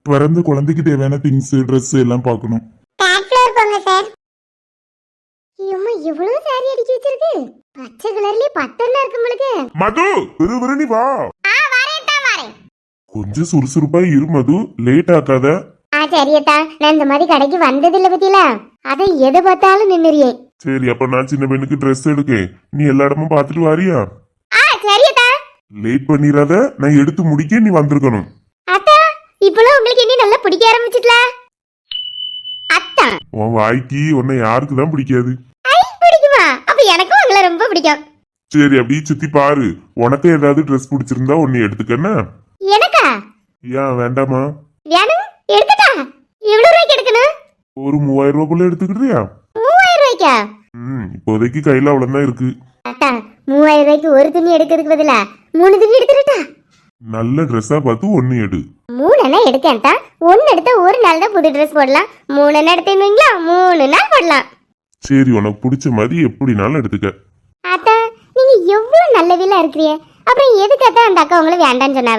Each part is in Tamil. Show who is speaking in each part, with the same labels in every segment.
Speaker 1: பிறந்த குழந்தைக்கு தேவையான திங்ஸ் ட்ரெஸ் எல்லாம் பார்க்கணும்.
Speaker 2: டாப் ஃப்ளோர் போங்க சார். அம்மா எவ்வளவு சாரி அடிச்சு வச்சிருக்கு. பச்சை கலர்லயே பட்டனா இருக்கு உங்களுக்கு.
Speaker 1: மது விறுவிறுனி வா.
Speaker 2: வரேன்.
Speaker 1: கொஞ்சம் சுறுசுறுப்பா இரு மது, லேட் ஆக்காத.
Speaker 2: சரியத்தா, நான் இந்த மாதிரி கடைக்கு வந்தது இல்ல பத்தியில, அதை எதை பார்த்தாலும் நின்னுறியே.
Speaker 1: சரி, அப்ப நான் சின்ன பையனுக்கு ட்ரெஸ் எடுக்கேன், நீ எல்லா இடமும் பாத்துட்டு வாரியா?
Speaker 2: சரியத்தா.
Speaker 1: லேட் பண்ணிராத, நான் எடுத்து முடிக்க நீ வந்திருக்கணும்.
Speaker 2: அத்தா, இப்பலாம் உங்களுக்கு என்ன நல்லா பிடிக்க ஆரம்பிச்சிட்டல. அத்தா,
Speaker 1: உன் வாய்க்கு உன்னை யாருக்கு தான் பிடிக்காது?
Speaker 2: பிடிக்குமா? அப்ப எனக்கும் உங்களை ரொம்ப பிடிக்கும்.
Speaker 1: சரி, அப்படியே சுத்தி பாரு, உனக்கு ஏதாவது ட்ரெஸ் பிடிச்சிருந்தா ஒன்னு எடுத்துக்கன்னா.
Speaker 2: எனக்கா?
Speaker 1: ஏன் வேண்டாமா?
Speaker 2: வேணும், எடுத்துட்டா. எவ்வளவு ரூபாய்க்கு எடுக்கணும்?
Speaker 1: ஒரு 3000 ரூபாய்க்குள்ள எடுத்துக்கிறியா?
Speaker 2: 3000 ரூபாய்க்கா?
Speaker 1: இப்போதைக்கு கையில அவ்வளவுதான் இருக்கு.
Speaker 2: அத்தா, 3000 ரூபாய்க்கு ஒரு துணி எடுக்கிறதுக்கு பதிலா 3 துணி எடுத்துட்டா.
Speaker 1: நல்ல ட்ரெஸ்ஸா பார்த்து ஒன்னு எடு.
Speaker 2: 3 எடுக்கேன்டா. 1 எடுத்தா ஒரு நாள் தான் புது ட்ரெஸ் போடலாம். 3 எடுத்தீங்களா 3 நாள் போடலாம்.
Speaker 1: சரி, உனக்கு பிடிச்ச மாதிரி எப்படினாலும் எடுத்துக்க.
Speaker 2: அத்தா, நீங்க எவ்வளவு நல்லவில இருக்கிறீ. அப்புறம் எதுக்கு அத்தா அந்த அக்கா உங்களை வேண்டான்னு சொன்னாவ?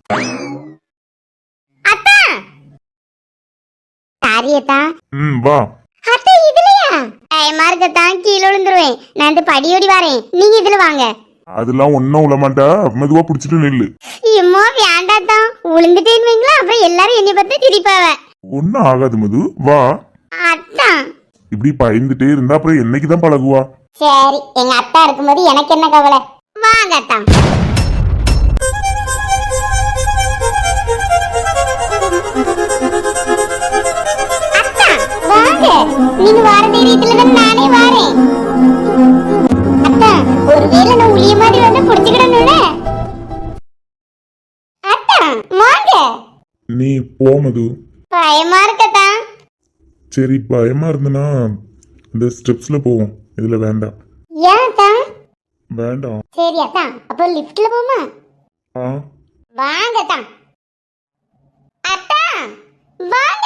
Speaker 2: அத்தா, சாரியத்தா.
Speaker 1: வா.
Speaker 2: அத்தா, இதுலயா? பயமா இருக்கத்தா, கீழே விழுந்துருவேன். நான் இந்த படியோடி வரேன், நீங்க இதுல வாங்க.
Speaker 1: அதெல்லாம் ஒன்னும் உள்ள மாட்டா, மெதுவா புடிச்சிட்டு நில்லு.
Speaker 2: இம்மா வேண்டாத்தான், விழுந்துட்டேன்னு வைங்களா, அப்புறம் எல்லாரும் என்னை பார்த்து சிரிப்பாவ.
Speaker 1: ஒன்னும் ஆகாது மது, வா.
Speaker 2: அத்தா,
Speaker 1: இப்படி பயந்துட்டே இருந்தா அப்புறம் என்னைக்குதான் பழகுவா?
Speaker 2: சரி, எங்க அத்தா இருக்கும்போது எனக்கு என்ன கவலை. வாங்க அத்தா. அத்தா, வாங்க. நீங்க வார தைரியத்துல தான் நானே வாரேன். அத்தா, ஒருவேளை நான் உளிய மாதிரி வந்து புடிச்சுக்கிடணும்ல. அத்தா, வாங்க.
Speaker 1: நீ போ மது.
Speaker 2: பயமா இருக்கத்தா.
Speaker 1: சரி, பயமா இருந்தனா இந்த ஸ்டெப்ஸ்ல போவோம், இதுல வேண்டாம்.
Speaker 2: ஏன் அத்தா?
Speaker 1: வேண்டாம்.
Speaker 2: சரி அத்தா, அப்போ லிஃப்ட்ல போமா? வாங்க அத்தா. அத்தா, வாங்க.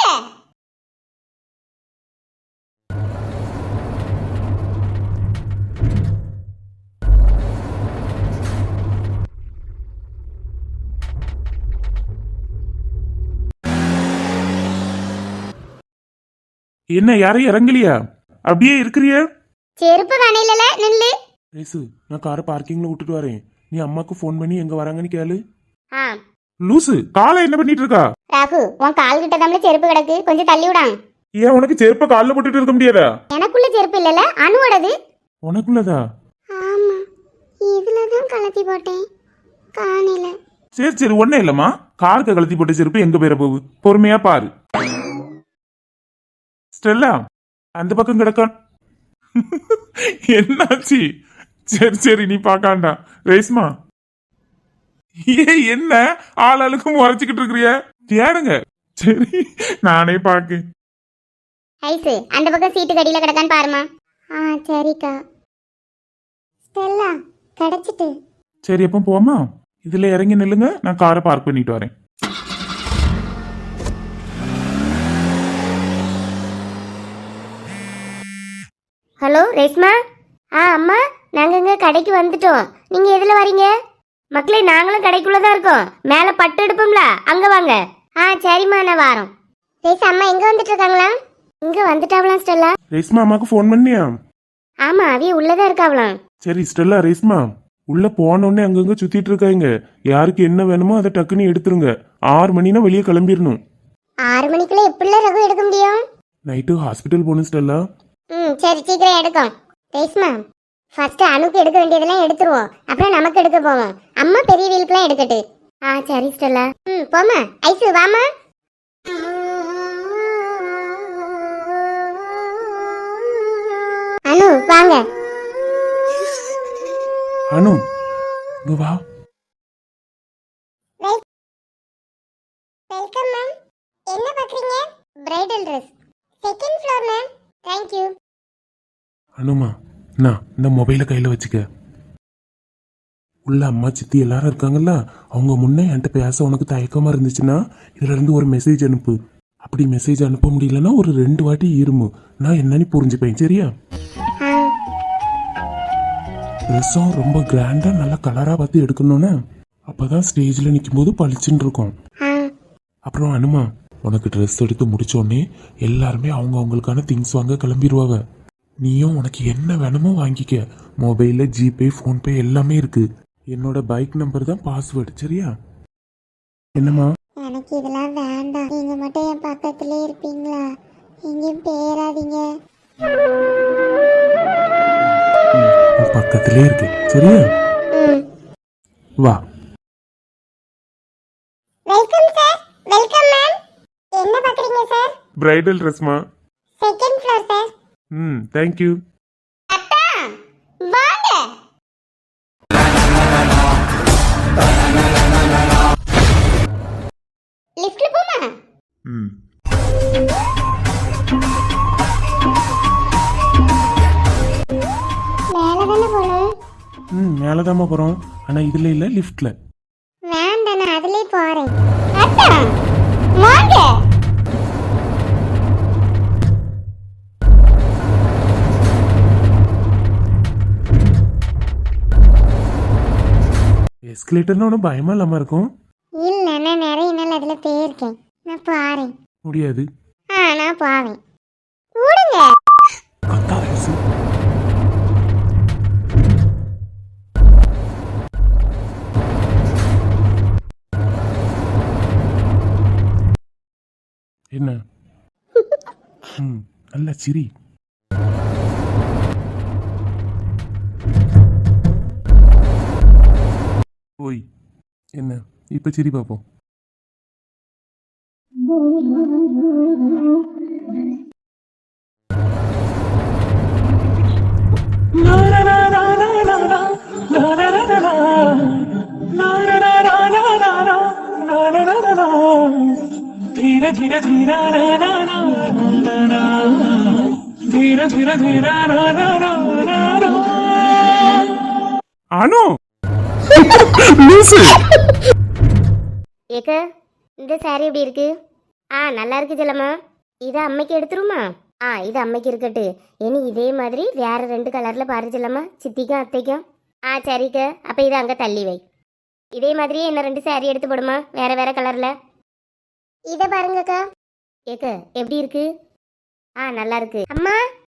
Speaker 3: என்ன, யாரையும் இறங்கலையா? அப்படியே இருக்கிறிய?
Speaker 2: செருப்பு கணையில நில்லு.
Speaker 3: ரேசு, நான் காரை பார்க்கிங்ல விட்டுட்டு வரேன். நீ அம்மாக்கு ஃபோன் பண்ணி எங்க வராங்கன்னு கேளு. லூசு, காலை என்ன பண்ணிட்டு இருக்கா?
Speaker 2: ராகு, உன் கால் கிட்ட தான் செருப்பு கிடக்கு, கொஞ்சம் தள்ளி விடான்.
Speaker 3: ஏன் உனக்கு செருப்ப கால்ல போட்டுட்டு இருக்க முடியாதா?
Speaker 2: எனக்குள்ள செருப்பு இல்லல, அனுவோடது.
Speaker 3: உனக்குள்ளதா?
Speaker 2: ஆமா, இதுலதான் கலத்தி போட்டேன், காணையில.
Speaker 3: சரி சரி, ஒண்ணே இல்லம்மா. காருக்கு கழட்டி போட்ட செருப்பு எங்க பேர போகுது, பொறுமையா பாரு. ஸ்டெல்லா, அந்த பக்கம் கிடக்கான். என்னாச்சு? சரி சரி, நீ பாக்காண்டா. ரேஸ்மா, என்ன ஆளாளுக்கும் முறைச்சுக்கிட்டு இருக்கிறிய? தேடுங்க. சரி, நானே பாக்கு.
Speaker 2: ஐசு, அந்த பக்கம் சீட்டு கடியில கிடக்கான்னு பாருமா. சரிக்கா. ஸ்டெல்லா, கிடைச்சிட்டு.
Speaker 3: சரி, எப்போ போமா? இதுல இறங்கி நில்லுங்க, நான் காரை பார்க் பண்ணிட்டு வரேன்.
Speaker 2: ஹலோ ரேஸ்மா. அம்மா, நாங்க இங்க கடைக்கு வந்துட்டோம். நீங்க எதுல வரீங்க? மக்களே, நாங்களும் கடைக்குள்ளதான் இருக்கோம். மேல பட்டு எடுப்போம்ல, அங்க வாங்க. சரிம்மா, நான் வாரோம். ரேஸ், அம்மா எங்க வந்துட்டு இருக்காங்களா? இங்க வந்துட்டாவலாம் ஸ்டெல்லா.
Speaker 3: ரேஸ்மா, அம்மாக்கு ஃபோன் பண்ணியா?
Speaker 2: ஆமா, அவிய உள்ளதான் இருக்காவலாம்.
Speaker 3: சரி ஸ்டெல்லா, ரேஸ்மா உள்ள போனோடனே அங்கங்க சுத்திட்டு இருக்காங்க. யாருக்கு என்ன வேணுமோ அதை டக்குன்னு எடுத்துருங்க. 6 மணினா வெளியே கிளம்பிடணும்.
Speaker 2: 6 மணிக்குள்ள எப்படிலாம் ரகு எடுக்க முடியும்?
Speaker 3: நைட்டு ஹாஸ்பிட்டல் போகணும் ஸ்டெல்லா.
Speaker 2: சரி, சீக்கிரம் எடுக்கும். ரேஸ்மா, ஃபர்ஸ்ட் அணுக்கு எடுக்க வேண்டியதெல்லாம் எடுத்துருவோம், அப்புறம் நமக்கு எடுக்க போவோம். அம்மா பெரிய வீலுக்குலாம் எடுக்கட்டு. சரி ஸ்டெல்லா. போமா. ஐசு, வாமா. அனு, வாங்க.
Speaker 3: அனு, இங்க வா.
Speaker 2: Welcome ma'am. என்ன பாக்குறீங்க? Bridal Dress. Second floor ma'am. Thank you.
Speaker 3: அனுமா, நான் இந்த மொபைலை கையில வச்சுக்க. உள்ள அம்மா சித்தி எல்லாரும் இருக்காங்கல்ல, அவங்க முன்னே என்கிட்ட பேச உனக்கு தயக்கமா இருந்துச்சுன்னா இதுல இருந்து ஒரு மெசேஜ் அனுப்பு. அப்படி மெசேஜ் அனுப்ப முடியலன்னா ஒரு 2 வாட்டி இருமு, நான் என்னன்னு புரிஞ்சுப்பேன். சரியா? ட்ரெஸ்ஸும் ரொம்ப கிராண்டா நல்ல கலரா பார்த்து எடுக்கணும்னு, அப்பதான் ஸ்டேஜ்ல நிற்கும் போது பளிச்சுன்னு இருக்கும். அப்புறம் அனுமா, உனக்கு ட்ரெஸ் எடுத்து முடிச்சோடனே எல்லாருமே அவங்களுக்கான திங்ஸ் வாங்க கிளம்பிடுவாங்க. நீயும் உனக்கு என்ன வேணுமோ வாங்கிக்க. மொபைலில் ஜிபே ஃபோன்பே எல்லாமே இருக்கு. என்னோட பைக் நம்பர் தான் பாஸ்வேர்டு, சரியா? என்னம்மா?
Speaker 4: எனக்கு இதெல்லாம் வேண்டாம். நீங்க மட்டும் என் பக்கத்திலே இருப்பீங்களா? எங்கேயும் பேராதீங்க.
Speaker 3: உன் பக்கத்திலே இருக்கு, சரியா? வா.
Speaker 4: Welcome sir. Welcome ma'am. என்ன பாக்குறீங்க சார்?
Speaker 3: பிரைடல் ட்ரெஸ்மா.
Speaker 4: Second floor sir.
Speaker 3: தேங்க்யூ.
Speaker 2: அத்தா வாங்க. லிஃப்ட்ல போமா?
Speaker 1: ம்
Speaker 4: மேல தானே போகணும்.
Speaker 3: மேலே தாம்மா போகிறோம். ஆனால் இதில் இல்லை, லிஃப்ட்டில்.
Speaker 4: வேண்டாம், நான் அதுலயே போறேன்.
Speaker 2: அத்தா வாங்க.
Speaker 3: எஸ்கலேட்டர்னு ஒன்றும் பயமா இல்லாமல் இருக்கும்.
Speaker 4: இல்ல, நான் நிறைய நாள் அதுல போயிருக்கேன். நான் போறேன்.
Speaker 3: முடியாது.
Speaker 4: நான் போவேன். விடுங்க.
Speaker 3: கத்தாத லூசு. என்ன? நல்ல சிரி. ஓய், என்ன இப்ப சிரி பார்ப்போம்.
Speaker 5: धीरे धीरे धीरे धीरे धीरे धीरे
Speaker 3: அனு லூசு.
Speaker 2: ஏக்க இந்த சாரி எப்படி இருக்கு? நல்லா இருக்கு செல்லம்மா. இதை அம்மைக்கு எடுத்துருமா? இது அம்மைக்கு இருக்கட்டு. இனி இதே மாதிரி வேற 2 கலர்ல பாரு செல்லம்மா, சித்திக்கும் அத்தைக்கும். சரிக்க, அப்ப இதை அங்க தள்ளி வை. இதே மாதிரியே என்ன 2 சாரி எடுத்து போடுமா, வேற வேற கலர்ல.
Speaker 4: இத பாருங்கக்கா.
Speaker 2: ஏக்க எப்படி இருக்கு? நல்லா இருக்கு. அம்மா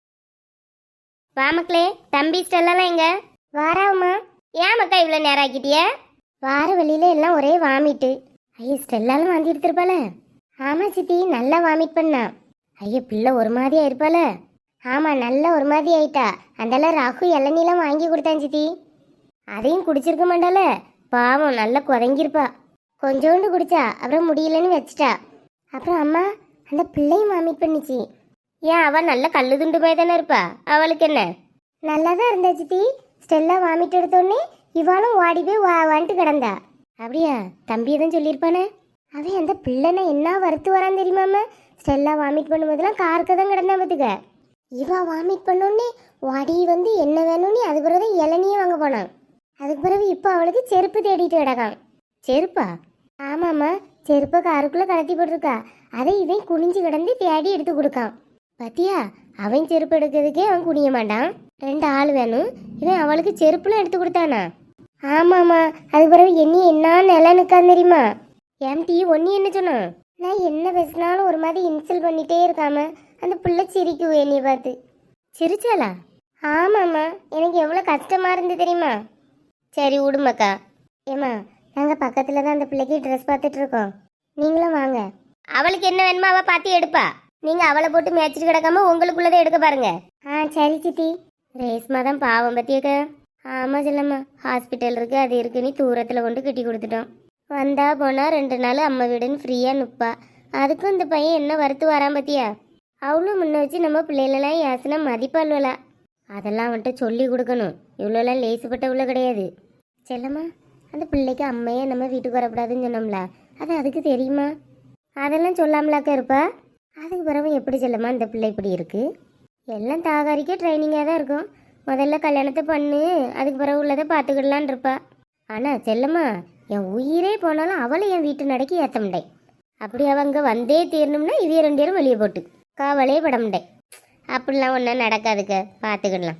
Speaker 2: வா மக்களே. தம்பி ஸ்டெல்லாம் எங்க?
Speaker 4: வாராவுமா.
Speaker 2: ஏன் மக்கா இவ்வளவு நேரம் ஆக்கிட்டிய?
Speaker 4: வார வழியில எல்லாம் ஒரே வாமிட்டு.
Speaker 2: ஐயோ ஸ்டெல்லாலும் வாந்தி எடுத்திருப்பாள.
Speaker 4: ஆமா சித்தி, நல்லா வாமிட் பண்ணா.
Speaker 2: ஐயோ பிள்ளை ஒரு மாதிரியா இருப்பாள.
Speaker 4: ஆமா, நல்லா ஒரு மாதிரி ஆயிட்டா. அதெல்லாம் ராகு இளநீலாம் வாங்கி கொடுத்தான் சித்தி.
Speaker 2: அதையும் குடிச்சிருக்க மாட்டாள. பாவம் நல்லா குறைங்கிருப்பா.
Speaker 4: கொஞ்சோண்டு குடிச்சா, அப்புறம் முடியலன்னு வச்சிட்டா. அப்புறம் அம்மா, அந்த பிள்ளையும் வாமிட் பண்ணிச்சு.
Speaker 2: ஏன் அவ நல்ல கல்லு துண்டு மாதிரி தானே இருப்பா, அவளுக்கு என்ன?
Speaker 4: நல்லா தான் இருந்தா சித்தி. ஸ்டெல்லா வாமிட் எடுத்தோடனே இவாளும் ஓடி போய் வந்துட்டு கிடந்தா.
Speaker 2: அப்படியா? தம்பி தான் சொல்லியிருப்பானே.
Speaker 4: அவன் அந்த பிள்ளைனை என்ன வறுத்து வரான் தெரியுமாம? ஸ்டெல்லா வாமிட் பண்ணும்போதெல்லாம் கார்க்க தான் கிடந்தா பார்த்துக்க. இவா வாமிட் பண்ணோடனே ஓடி வந்து என்ன வேணும்னு அது பிறகு இளநியே வாங்க போனான். அதுக்கு பிறகு இப்போ அவளுக்கு செருப்பு தேடிட்டு கிடக்கான்.
Speaker 2: செருப்பா?
Speaker 4: ஆமாம்மா, செருப்பை காருக்குள்ளே கலத்தி போட்டிருக்கா. அதை இவன் குனிஞ்சு கிடந்து தேடி எடுத்து கொடுக்கான்.
Speaker 2: பத்தியா? அவன் செருப்பு எடுக்கிறதுக்கே அவன் குனிய மாட்டான். 2 ஆள் வேணும். இவன் அவளுக்கு செருப்புலாம் எடுத்து கொடுத்தானா?
Speaker 4: ஆமாம்மா, அதுக்கு பிறகு என்ன நிலை நிற்கான் தெரியுமா?
Speaker 2: எம்டி ஒன்னி என்ன சொன்னான்?
Speaker 4: நான் என்ன பேசினாலும் ஒரு மாதிரி இன்சல்ட் பண்ணிட்டே இருக்காம அந்த பிள்ளை சிரிக்கும் என்னைய பார்த்து.
Speaker 2: சிரிச்சாளா?
Speaker 4: ஆமாம்மா, எனக்கு எவ்வளோ கஷ்டமாக இருந்து தெரியுமா?
Speaker 2: சரி விடுமாக்கா.
Speaker 4: ஏம்மா, நாங்கள் பக்கத்தில் தான் அந்த பிள்ளைக்கு ட்ரெஸ் பார்த்துட்டு இருக்கோம். நீங்களும் வாங்க.
Speaker 2: அவளுக்கு என்ன வேணுமோ அவள் பார்த்து எடுப்பா. நீங்கள் அவளை போட்டு மேய்ச்சிட்டு கிடக்காம உங்களுக்குள்ளதை எடுக்க பாருங்க.
Speaker 4: சரி சித்தி.
Speaker 2: ரேஸ்மா தான் பாவம் பத்தியக்க. ஆமாம் செல்லம்மா, ஹாஸ்பிட்டல் இருக்கு அது இருக்குன்னு தூரத்தில் கொண்டு கட்டி கொடுத்துட்டோம். வந்தா போனா 2 நாள் அம்மா வீடுன்னு ஃப்ரீயாக நிற்பா. அதுக்கும் இந்த பையன் என்ன வறுத்து வரான் பத்தியா? அவளும் முன்ன வச்சு நம்ம பிள்ளைகளெல்லாம் ஏசுனா மதிப்பாள்வலா. அதெல்லாம் அவன்கிட்ட சொல்லி கொடுக்கணும். இவ்வளோலாம் லேசுப்பட்ட உள்ள கிடையாது. செல்லம்மா, அந்த பிள்ளைக்கு அம்மையே நம்ம வீட்டுக்கு வரக்கூடாதுன்னு சொன்னோம்ல, அது அதுக்கு தெரியுமா? அதெல்லாம் சொல்லாமலாக்கா இருப்பா. அதுக்கு பிறகு எப்படி செல்லம்மா இந்த பிள்ளை இப்படி இருக்கு? எல்லாம் தாகாரிக்கே ட்ரைனிங்காக தான் இருக்கும். முதல்ல கல்யாணத்தை பண்ணு, அதுக்கு பிறகு உள்ளதை பார்த்துக்கிடலான் இருப்பா. ஆனால் செல்லம்மா, என் உயிரே போனாலும் அவளை என் வீட்டு நடக்கி ஏற்ற முடியேன். அப்படி அவங்க வந்தே தீரணும்னா இவைய 2 பேரும் வெளியே போட்டு காவலே பட முடியேன். அப்படிலாம் ஒன்றும் நடக்காதுக்க, பார்த்துக்கிடலாம்.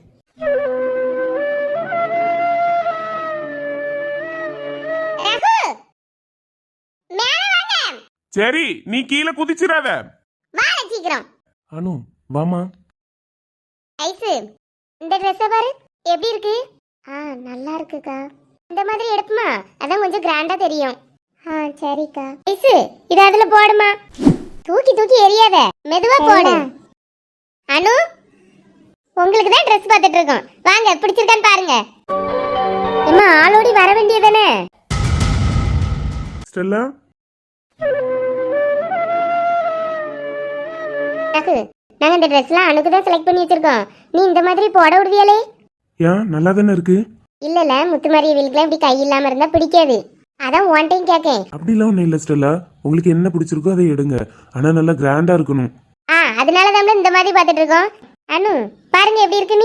Speaker 3: சரி நீ கீழே குதிச்சிடாத.
Speaker 2: வாட சீக்கிரம்.
Speaker 3: அனு வாமா.
Speaker 2: ஐசு இந்த ட்ரெஸ்ஸை பாரு எப்படி இருக்கு? நல்லா இருக்குக்கா. இந்த மாதிரி எடுப்புமா, அதான் கொஞ்சம் கிராண்டா தெரியும்.
Speaker 4: சரிக்கா.
Speaker 2: ஐசு இது அதுல போடுமா. தூக்கி தூக்கி எரியாத, மெதுவா போடு. அனு உங்களுக்கு தான் ட்ரெஸ் பார்த்துட்டு இருக்கோம், வாங்க பிடிச்சிருக்கான்னு பாருங்க. அம்மா ஆளோடி வர வேண்டியதானே.
Speaker 3: ஸ்டெல்லா
Speaker 2: நாங்க இந்த ட்ரெஸ்லாம் அனுக்கு தான் செலக்ட் பண்ணி வச்சிருக்கோம். நீ இந்த மாதிரி போட விடுவியாலே?
Speaker 3: ஏன் நல்லா தானே இருக்கு.
Speaker 2: இல்ல முத்துமாரி வீலுக்குலாம் இப்படி கை இல்லாம இருந்தா பிடிக்காது, அதான் ஒன் டைம் கேக்கேன்.
Speaker 3: அப்படிலாம் ஒன்றும் இல்லை ஸ்டெல்லா, உங்களுக்கு என்ன பிடிச்சிருக்கோ அதை எடுங்க, ஆனால் நல்லா கிராண்டா இருக்கணும்.
Speaker 2: அதனால தான் இந்த மாதிரி பார்த்துட்டு இருக்கோம். அனு பாருங்க எப்படி இருக்கு. நீ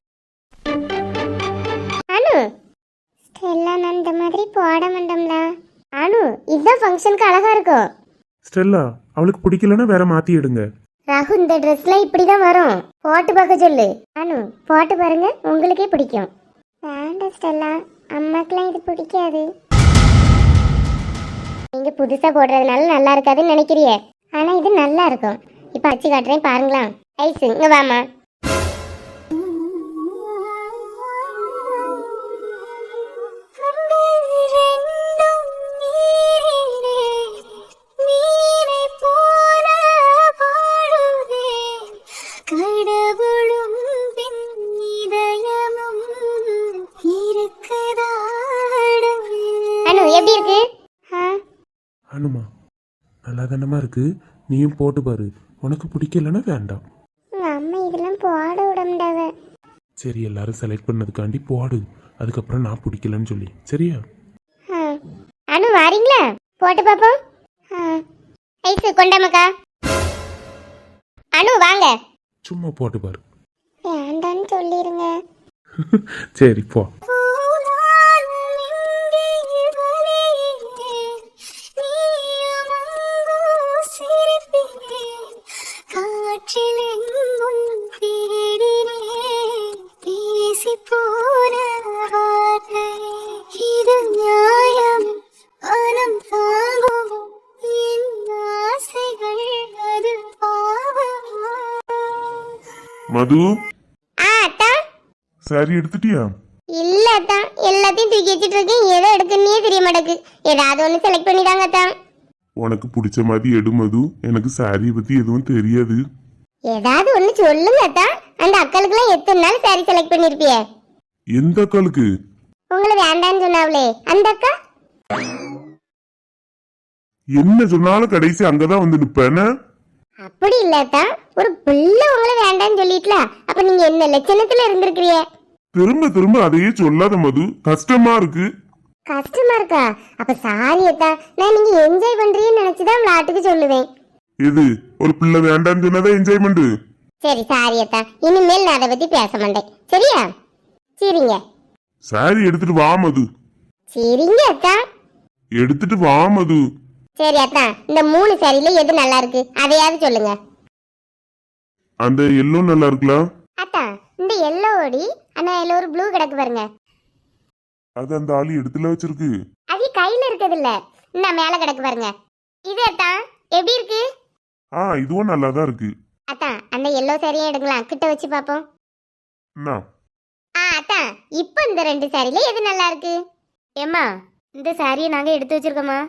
Speaker 2: அனு
Speaker 4: ஸ்டெல்லா நான் இந்த மாதிரி போட மாட்டோம்ல.
Speaker 2: அனு இதுதான் ஃபங்க்ஷனுக்கு அழகா இருக்கும்.
Speaker 3: ஸ்டெல்லா அவளுக்கு பிடிக்கலன்னா வேற மாத்தி எடுங்க.
Speaker 2: ராகு இந்த ட்ரெஸ்லாம் இப்படிதான் வரும், போட்டு பார்க்க சொல்லு. அனு போட்டு பாருங்க, உங்களுக்கே பிடிக்கும்.
Speaker 4: வேண்டாம் ஸ்டெல்லா, அம்மாக்கெல்லாம் இது பிடிக்காது.
Speaker 2: நீங்க புதுசா போடுறதுனால நல்லா இருக்காதுன்னு நினைக்கிறியே, ஆனா இது நல்லா இருக்கும். இப்ப அச்சு காட்டுறேன் பாருங்களா. ஐசு இங்க வாமா. அனு எப்படி இருக்கு?
Speaker 3: அனுமா நல்லா தானமா இருக்கு, நீயும் போட்டு பாரு. உனக்கு பிடிக்கலன்னா வேண்டாம்.
Speaker 4: உங்க அம்மா இதெல்லாம் போட விடமாட்டாவ.
Speaker 3: சரி எல்லாரும் செலக்ட் பண்ணதுக்காண்டி போடு, அதுக்கப்புறம் நான் பிடிக்கலன்னு சொல்லி சரியா.
Speaker 2: அனு வாரீங்களா, போட்டு பாப்போம். ஐசு கொண்டாமக்கா. அனு வாங்க.
Speaker 3: சும்மா போட்டு பாரு.
Speaker 4: வேண்டான்னு சொல்லிருங்க.
Speaker 3: சரி போ.
Speaker 1: மது
Speaker 2: அத்தா
Speaker 1: சாரி எடுத்துட்டியா?
Speaker 2: இல்ல அத்தா, எல்லாத்தையும் தூக்கி வச்சிட்டு இருக்கேன், ஏதோ எடுக்கணுன்னே தெரிய மாட்டேக்கு. ஏதாவது ஒண்ணு செலக்ட் பண்ணிடாங்க அத்தா.
Speaker 1: உனக்கு பிடிச்ச மாதிரி எடு மது, எனக்கு சாரியை பத்தி எதுவும் தெரியாது.
Speaker 2: ஏதாவது ஒண்ணு சொல்லுங்க அத்தா. அந்த அக்களுக்குலாம் எத்தனை நாள் சாரி செலக்ட் பண்ணிருப்பிய?
Speaker 1: எந்த அக்காளுக்கு?
Speaker 2: உங்களை வேண்டான்னு சொன்னாவளே அந்த அக்கா.
Speaker 1: என்ன சொன்னாலும் கடைசி அங்கதான் வந்து நிப்பேன.
Speaker 2: அப்படி இல்லத்தா, ஒரு பிள்ளை உங்களை வேண்டான்னு சொல்லிட்டல, அப்ப நீங்க என்ன லட்சணத்துல இருந்திருக்கிறிய?
Speaker 1: திரும்ப திரும்ப அதையே சொல்லாத மது, கஷ்டமா இருக்கு.
Speaker 2: கஷ்டமா இருக்கா? அப்ப சாரி அத்தா, நான் நீங்க என்ஜாய் பண்றீங்கன்னு நினைச்சுதான் விளையாட்டுக்கு சொல்லுவேன்.
Speaker 1: இது ஒரு பிள்ளை வேண்டான்னு சொன்னதா என்ஜாய்மெண்ட்.
Speaker 2: சரி சாரி அத்தா, இனிமேல் நான் அதை பத்தி பேச மாட்டேன் சரியா? சரிங்க.
Speaker 1: சாரி எடுத்துட்டு வா மது.
Speaker 2: சரிங்க அத்தா.
Speaker 1: எடுத்துட்டு வா மது.
Speaker 2: சரி அத்தா, இந்த 3 சாரியில எது நல்லா இருக்கு அதையாவது சொல்லுங்க.
Speaker 1: அந்த எல்லோ நல்லா இருக்கலாம்.
Speaker 2: அத்தா இந்த எல்லோ ஓடி, ஆனா எல்லோ ஒரு ப்ளூ கிடக்கு பாருங்க.
Speaker 1: அது அந்த ஆளு எடுத்துல வச்சிருக்கு.
Speaker 2: அது கையில இருக்குது இல்ல, இந்த மேல கிடக்கு பாருங்க. இது அத்தா எப்படி இருக்கு?
Speaker 1: இதுவும் நல்லாதான் இருக்கு.
Speaker 2: அத்தா அந்த எல்லோ சாரியும் எடுக்கலாம், கிட்ட வச்சு பாப்போம்.
Speaker 1: என்ன?
Speaker 2: அத்தா இப்போ இந்த 2 சாரியில எது நல்லா இருக்கு? ஏம்மா இந்த சாரியை நாங்க எடுத்து வச்சிருக்கோமா?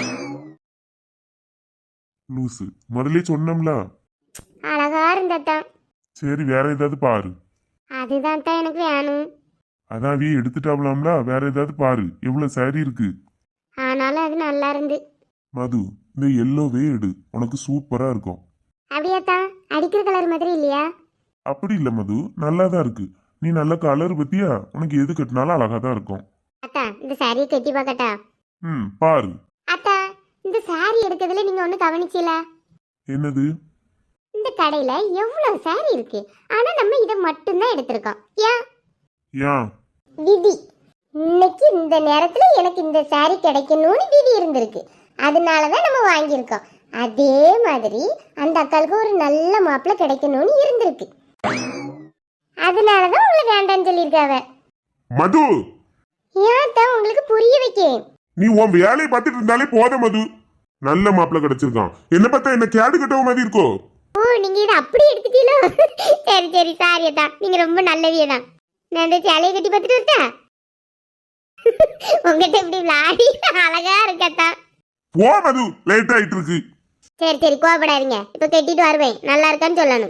Speaker 1: லூசு, முதல்ல சொன்னோம்ல.
Speaker 2: அழகா இருந்தத்தா.
Speaker 1: சரி வேற ஏதாவது பாரு.
Speaker 2: அதுதான் தான் எனக்கு வேணும்.
Speaker 1: அதாவே எடுத்துட்டாவலாம்ல, வேற ஏதாவது பாரு. எவ்வளவு சாரி இருக்கு.
Speaker 2: ஆனாலும் அது நல்லா இருந்து.
Speaker 1: மது இந்த எல்லோவே எடு, உனக்கு சூப்பரா இருக்கும்.
Speaker 2: அப்படியாத்தா, அடிக்கிற கலர் மாதிரி இல்லையா?
Speaker 1: அப்படி இல்ல மது, நல்லாதான் இருக்கு. நீ நல்ல கலர் பத்தியா, உனக்கு எது கட்டினாலும் அழகா தான் இருக்கும்.
Speaker 2: அத்தா இந்த சாரியை கட்டி பார்க்கட்டா?
Speaker 1: பாரு.
Speaker 2: அத்தா இந்த சாரி எடுக்கிறதுல நீங்க ஒண்ணு கவனிச்சீல?
Speaker 1: என்னது?
Speaker 2: இந்த கடையில எவ்வளவு சாரி இருக்கு, ஆனா நம்ம இதை மட்டும்தான் எடுத்திருக்கோம்.
Speaker 1: ஏன்?
Speaker 2: விதி. இன்னைக்கு இந்த நேரத்துல எனக்கு இந்த சாரி கிடைக்கணும்னு விதி இருந்திருக்கு, அதனாலதான் நம்ம வாங்கியிருக்கோம். அதே மாதிரி அந்த அக்காளுக்கு ஒரு நல்ல மாப்பிள்ளை கிடைக்கணும்னு இருந்திருக்கு, அதனாலதான் உங்களுக்கு வேண்டான்னு சொல்லியிருக்காவ.
Speaker 1: மது
Speaker 2: ஏன் தான் உங்களுக்கு புரிய வைக்கேன்.
Speaker 1: நீ உன் வேலையை பார்த்துட்டு இருந்தாலே போத மது. நல்ல மாப்பிள்ள கிடைச்சிருக்கான். என்ன பார்த்தா என்ன கேடு கட்டவ மாதிரி இருக்கோ?
Speaker 2: ஓ நீங்க இதை அப்படி எடுத்துட்டீங்களோ? சரி சரி சாரி தான், நீங்க ரொம்ப நல்லவியே தான். நான் இந்த சேலையை கட்டி பார்த்துட்டு வரட்டா? உங்ககிட்ட இப்படி விளாடி அழகா இருக்கத்தான்.
Speaker 1: போ மது, லேட் ஆயிட்டு இருக்கு.
Speaker 2: சரி சரி கோவப்படாதீங்க, இப்ப கட்டிட்டு வருவேன், நல்லா இருக்கான்னு சொல்லணும்.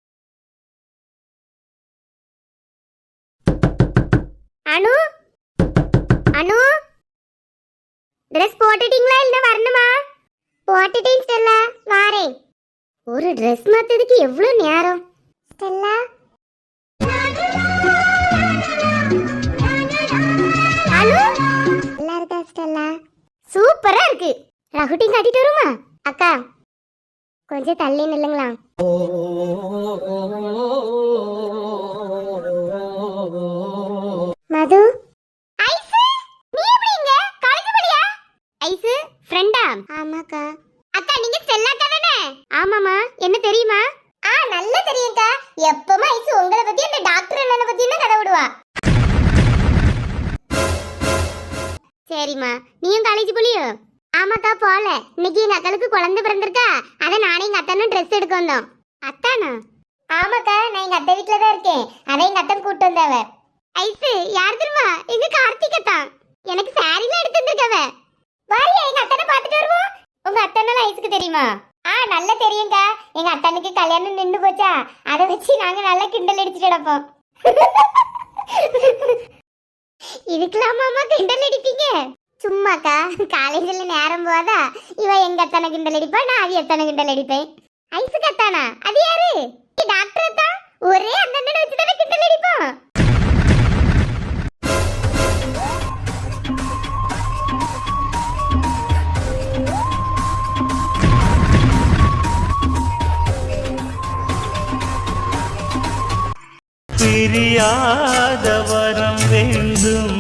Speaker 2: அனு அனு ட்ரெஸ் போட்டுட்டீங்களா இல்ல வரணுமா? போட்டுட்டேன் ஸ்டெல்லா, வாரேன். ஒரு ட்ரெஸ் மாத்ததுக்கு எவ்வளவு நேரம்? ஸ்டெல்லா அனு நல்லா இருக்கா ஸ்டெல்லா? சூப்பரா இருக்கு. ரகுட்டிங் கட்டிட்டு வருமா? அக்கா கொஞ்சம் தள்ளி நில்லுங்களா. மது ஐசு, நீ எப்படி இங்க? காலேஜ் போறியா? ஐசு ஃப்ரெண்டா? ஆமாக்கா. அக்கா நீங்க ஸ்டெல்லா அக்கா தானே? ஆமாமா. என்ன தெரியுமா? நல்லா தெரியும்க்கா. எப்பவுமே ஐசு உங்களை பத்தி அந்த டாக்டர் அண்ணனை பத்தி தான் கதை விடுவா. சரிம்மா, நீயும் காலேஜ் போலியோ? ஆமாக்கா போல. இன்னைக்கு எங்க அக்காளுக்கு குழந்தை பிறந்திருக்கா, அதான் நானே எங்க அத்தானும் ட்ரெஸ் எடுக்க வந்தோம். அத்தானா? ஆமாக்கா, நான் எங்க அத்தை வீட்டுல தான் இருக்கேன், அதான் எங்க அத்தன் கூட்டு வந்தவ. ஐசு யார் தெரியுமா? எங்க கார்த்திக் அத்தான். எனக்கு சாரில எடுத்து வந்திருக்கவ. வாரியா எங்க அத்தனை பாத்துட்டு வருவோம். உங்க அத்தனால ஐசுக்கு தெரியுமா? நல்லா தெரியும்க்கா. எங்க அத்தனுக்கு கல்யாணம் நின்று போச்சா, அதை வச்சு நாங்க நல்லா கிண்டல் அடிச்சுட்டு கிடப்போம். இதுக்கெல்லாம் மாமா கிண்டல் அடிப்பீங்க? சும்மாக்கா, காலேஜ்ல நேரம் போதா இவ எங்க அத்தனை கிண்டல் அடிப்பா, நான் அது எத்தனை கிண்டல் அடிப்பேன். ஐசுக்கு அத்தானா? அது யாரு? டாக்டர் தான். ஒரே அந்த அண்ணனை வச்சு தானே கிண்டல் அடிப்போம்.
Speaker 5: பிரியாத வரம் வேண்டும்